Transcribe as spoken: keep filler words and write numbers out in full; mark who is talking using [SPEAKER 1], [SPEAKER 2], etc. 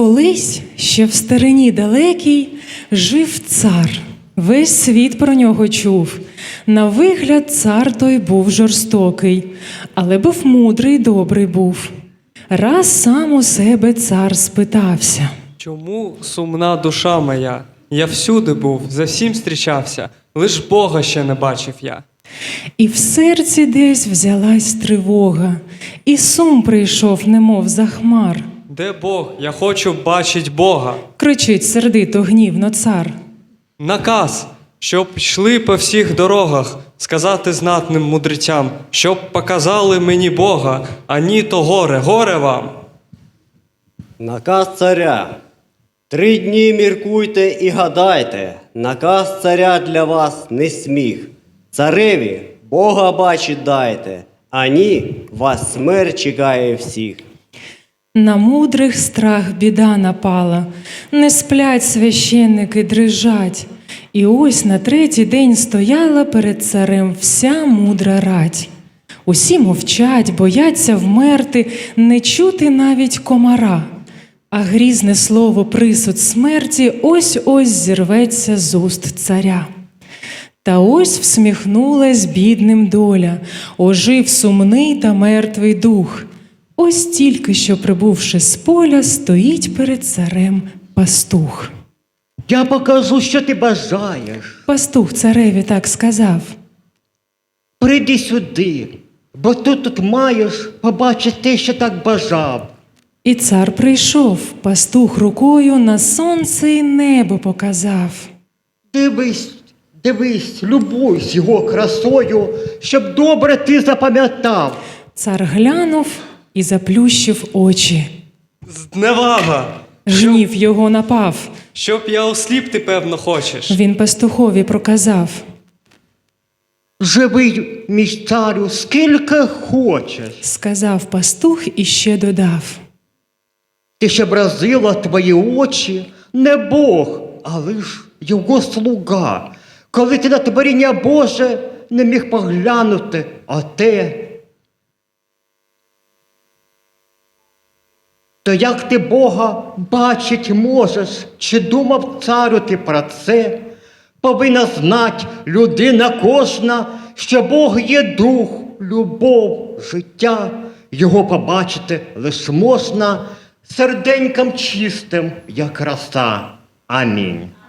[SPEAKER 1] Колись, ще в старині далекій, жив цар. Весь світ про нього чув. На вигляд цар той був жорстокий, але був мудрий, добрий був. Раз сам у себе цар спитався:
[SPEAKER 2] чому сумна душа моя? Я всюди був, за всім зустрічався, лиш Бога ще не бачив я.
[SPEAKER 1] І в серці десь взялась тривога, і сум прийшов, немов за хмар.
[SPEAKER 2] Де Бог? Я хочу бачить Бога.
[SPEAKER 1] Кричить сердито, гнівно цар.
[SPEAKER 2] Наказ, щоб йшли по всіх дорогах, сказати знатним мудрецям, щоб показали мені Бога, а ні то горе, горе вам.
[SPEAKER 3] Наказ царя. Три дні міркуйте і гадайте, наказ царя для вас не сміх. Цареві Бога бачить дайте, а ні, вас смерть чекає всіх.
[SPEAKER 1] На мудрих страх біда напала, не сплять священники, дрижать. І ось на третій день стояла перед царем вся мудра рать. Усі мовчать, бояться вмерти, не чути навіть комара. А грізне слово присуд смерті ось-ось зірветься з уст царя. Та ось всміхнулась бідним доля, ожив сумний та мертвий дух. Ось тільки що, прибувши з поля, стоїть перед царем пастух.
[SPEAKER 4] Я покажу, що ти бажаєш.
[SPEAKER 1] Пастух цареві так сказав.
[SPEAKER 4] Прийди сюди, бо ти тут маєш побачити те, що так бажав.
[SPEAKER 1] І цар прийшов, пастух рукою на сонце й небо показав.
[SPEAKER 4] Дивись, дивись, любуйся його красою, щоб добре ти запам'ятав.
[SPEAKER 1] Цар глянув і заплющив очі.
[SPEAKER 2] Зневага!
[SPEAKER 1] Гнів його напав.
[SPEAKER 2] Щоб я осліп, ти певно хочеш.
[SPEAKER 1] Він пастухові проказав.
[SPEAKER 4] Живий, мій царю, скільки хочеш.
[SPEAKER 1] Сказав пастух і ще додав.
[SPEAKER 4] Ти ще бразила твої очі, не Бог, а лиш його слуга. Коли ти на творіння Боже не міг поглянути, а те. То як ти Бога бачить можеш, чи думав царю ти про це? Повинна знать людина кожна, що Бог є дух, любов, життя. Його побачити лиш можна серденьком чистим, як роса. Амінь.